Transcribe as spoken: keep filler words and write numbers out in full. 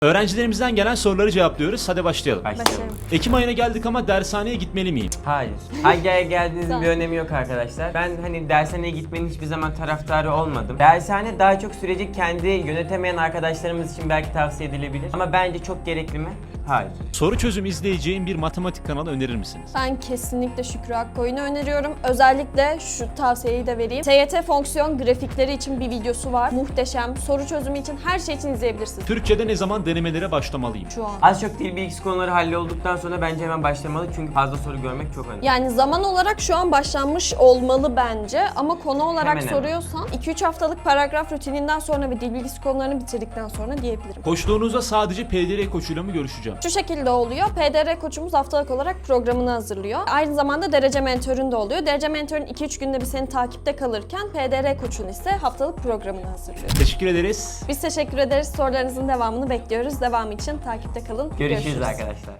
Öğrencilerimizden gelen soruları cevaplıyoruz. Hadi başlayalım. Başlayalım. Ekim ayına geldik ama dershaneye gitmeli miyim? Hayır. Hangi aya geldiğinizin bir önemi yok arkadaşlar. Ben hani dershaneye gitmenin hiçbir zaman taraftarı olmadım. Dershane daha çok süreci kendi yönetemeyen arkadaşlarımız için belki tavsiye edilebilir. Ama bence çok gerekli mi? Hayır. Soru çözüm izleyeceğim bir matematik kanalı önerir misiniz? Ben kesinlikle Şükrü Akkoyun'u öneriyorum. Özellikle şu tavsiyeyi de vereyim. T Y T fonksiyon grafikleri için bir videosu var. Muhteşem. Soru çözümü için her şey için izleyebilirsiniz. Türkçe'de ne zaman denemelere başlamalıyım? Şu an. Az çok dil bilgisi konuları hallolduktan sonra bence hemen başlamalı çünkü fazla soru görmek çok önemli. Yani zaman olarak şu an başlanmış olmalı bence ama konu olarak Hemen hemen. soruyorsan iki üç haftalık paragraf rutininden sonra ve dil bilgisi konularını bitirdikten sonra diyebilirim. Koçluğunuzda sadece P D R koçuyla mı görüşeceğim? Şu şekilde oluyor. P D R koçumuz haftalık olarak programını hazırlıyor. Aynı zamanda derece mentörün de oluyor. Derece mentörün iki üç günde bir seni takipte kalırken P D R koçun ise haftalık programını hazırlıyor. Teşekkür ederiz. Biz teşekkür ederiz. Sorularınızın devamını bekliyoruz. Devamı için takipte kalın. Görüşürüz arkadaşlar.